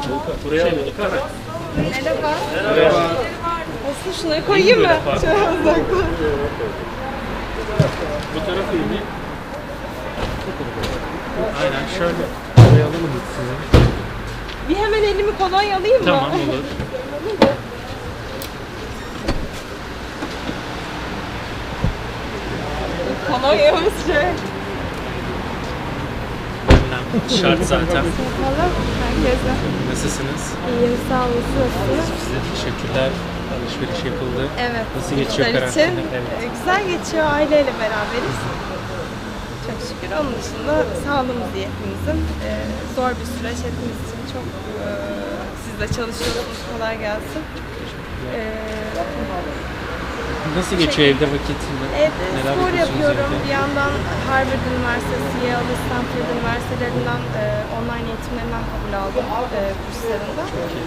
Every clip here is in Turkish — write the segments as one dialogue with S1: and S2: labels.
S1: Buraya alıyorduk değil mi?
S2: Merhaba.
S1: Merhaba.
S2: Aslında şunları koyayım mı? Şöyle uzaktan.
S1: Bu tarafı iyi mi? Aynen şöyle. Buraya alalım size.
S2: Bir hemen elimi kolonya alayım mı?
S1: Tamam olur.
S2: Kolonyamız şey.
S1: Şart zaten.
S2: Yapalım herkese.
S1: Nasılsınız?
S2: İyiyim, sağ olun. Nasılsınız?
S1: Size teşekkürler. Alışveriş yapıldı.
S2: Evet.
S1: Nasıl geçiyor
S2: çocuklar
S1: karantina?
S2: için
S1: Evet.
S2: güzel geçiyor. Aileyle beraberiz. Çok şükür. Onun dışında sağlığımız iyi hepimizin. Zor bir süreç hepimiz için. Çok siz de çalışıyorsunuz. Kolay gelsin.
S1: Nasıl geçiyor evde vakit?
S2: Evde spor yapıyorum. Bir yandan Harvard Üniversitesi, Yale, Stanford Üniversitelerinden online eğitimlerinden kabul aldım kurslarında.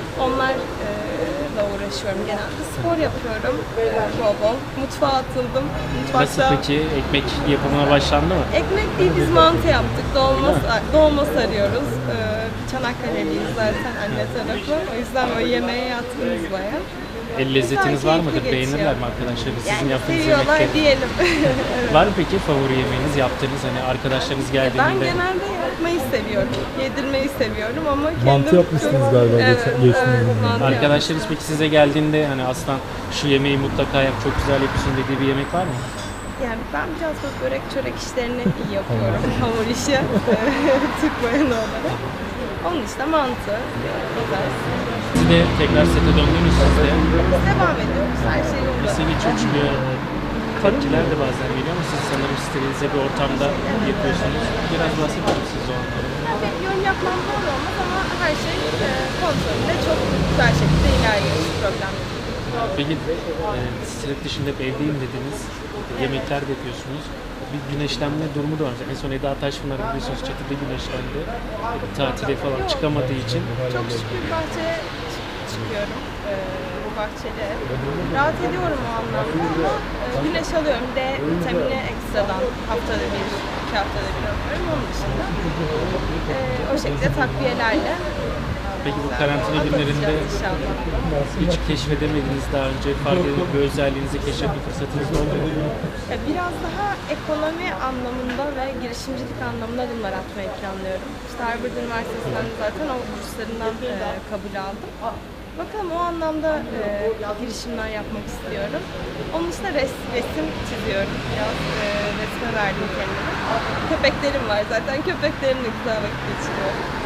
S2: Onlarla uğraşıyorum genelde. Spor yapıyorum bol bol. Mutfağa atıldım.
S1: Nasıl peki? Ekmek yapımına başlandı mı?
S2: Ekmek değil, biz mantı yaptık. Dolma sarıyoruz. Çanakkale'liyiz zaten anne tarafı. O yüzden o yemeğe yatkınız bayağı.
S1: El lezzetiniz var mıdır?
S2: Keyifli
S1: Beğenirler
S2: geçiyor.
S1: mi arkadaşlarınız? Sizin
S2: Yani
S1: yaptığınız
S2: seviyorlar
S1: yemekleri?
S2: diyelim.
S1: Var mı peki favori yemeğiniz yaptığınız hani arkadaşlarınız
S2: Ben
S1: geldiğinde?
S2: genelde yapmayı seviyorum. Yedirmeyi seviyorum ama kendim...
S3: Mantı yapmıştınız galiba geçtiğimiz gün.
S2: mantı
S1: Arkadaşlarınız peki size geldiğinde hani aslan şu yemeği mutlaka yap, çok güzel yapıyorsun dediği bir yemek var mı?
S2: Yani ben biraz böyle börek çörek işlerini iyi yapıyorum. Hamur işi. Türk bayanı olarak. Onun işte mantı. Güzel.
S1: Siz de tekrar sete döndünüz siz de.
S2: Biz devam ediyoruz. Her şey yolunda.
S1: Nasıl geçiyor çünkü tepkiler de bazen geliyor ama siz sanırım sterilize bir ortamda yapıyorsunuz. Biraz bahseder misiniz o anlamda?
S2: Yani benim yorum yapmam doğru olmaz ama her şey kontrolünde çok güzel şekilde ilerliyor. Hiç problem yok.
S1: Peki set dışında hep evdeyim dediniz. Yemekler de yapıyorsunuz. Bir güneşlenme durumu da var. En son Eda Taşpınar biliyorsunuz çatıda güneşlendi. Tatile falan çıkamadığı için.
S2: Çok şükür bahçeye çıkıyorum. Bahçeli ev. Rahat ediyorum o anlamda ama güneş alıyorum. D vitamini ekstradan haftada bir, 2 haftada bir alıyorum. Onun dışında o şekilde takviyelerle
S1: Peki bu karantina günlerinde
S2: inşallah.
S1: hiç keşfedemediğiniz daha önce farklı bir özelliğinizi keşfetme fırsatınız oldu mu?
S2: Biraz daha ekonomi anlamında ve girişimcilik anlamında adımlar atmayı planlıyorum. İşte Harvard Üniversitesi'nden zaten o kurslarından kabul aldım. Bakalım o anlamda girişimler yapmak istiyorum. Onun dışında resim çiziyorum. Biraz resme verdim kendime. Köpeklerim var zaten. Köpeklerimle güzel vakit geçiriyorum.